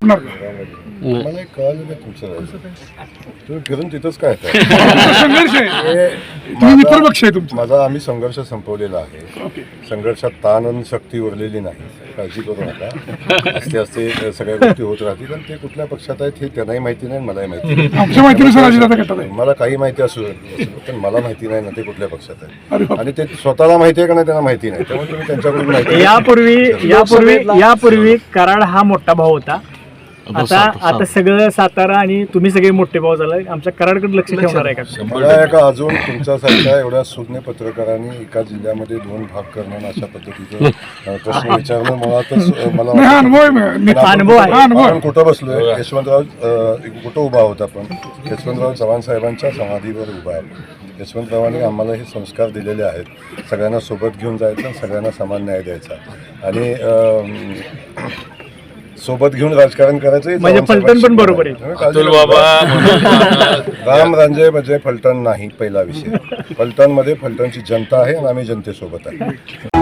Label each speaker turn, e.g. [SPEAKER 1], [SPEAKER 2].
[SPEAKER 1] होणार का?
[SPEAKER 2] मला एक कळालं नाही तुमचं, तुम्ही फिरून तिथंच काय
[SPEAKER 1] संघर्ष आहे, तुम्ही मित्रपक्ष आहे तुमचा.
[SPEAKER 2] माझा आम्ही संघर्ष संपवलेला आहे. संघर्षात ताण आणि शक्ती उरलेली नाही, काळजी करू नका. असते असते सगळ्या गोष्टी होत राहतील. आणि ते कुठल्या पक्षात आहेत हे त्यांनाही माहिती नाही, मलाही माहिती नाही.
[SPEAKER 1] आमच्या माहितीनुसार अजितदादा गटात आहे.
[SPEAKER 2] मला काही माहिती असू पण मला माहिती नाही ना ते कुठल्या पक्षात आहे. आणि ते स्वतःला माहिती आहे का नाही त्यांना माहिती नाही. त्यामुळे तुम्ही त्यांच्याकडून माहिती
[SPEAKER 3] यापूर्वी कराड हा मोठा भाऊ होता. आता सगळं सातारा आणि तुम्ही सगळे मोठे भाऊ झाला. आमच्या कराडकडे लक्ष ठेवणार आहे का?
[SPEAKER 2] मला एका अजून तुमच्यासारख्या एवढ्या सुज्ञ पत्रकारांनी एका जिल्ह्यामध्ये 2 भाग करणं अशा पद्धतीचं प्रश्न विचारणं मला
[SPEAKER 1] नाही, हा अनुभव आहे.
[SPEAKER 3] अनुभव आहे.
[SPEAKER 2] आपण कुठं बसलोय? यशवंतराव कुठं उभा होता? आपण यशवंतराव चव्हाण साहेबांच्या समाधीवर उभा आहे. यशवंतरावांनी आम्हाला हे संस्कार दिलेले आहेत, सगळ्यांना सोबत घेऊन जायचं, सगळ्यांना समान न्याय द्यायचा आणि सोबत घेऊन राजकारण करायचं.
[SPEAKER 3] म्हणजे फलटण पण बरोबर आहे.
[SPEAKER 2] राम रांजे म्हणजे फलटण नाही, पहिला विषय. फलटणमध्ये फलटणची जनता आहे आणि आम्ही जनतेसोबत आहे.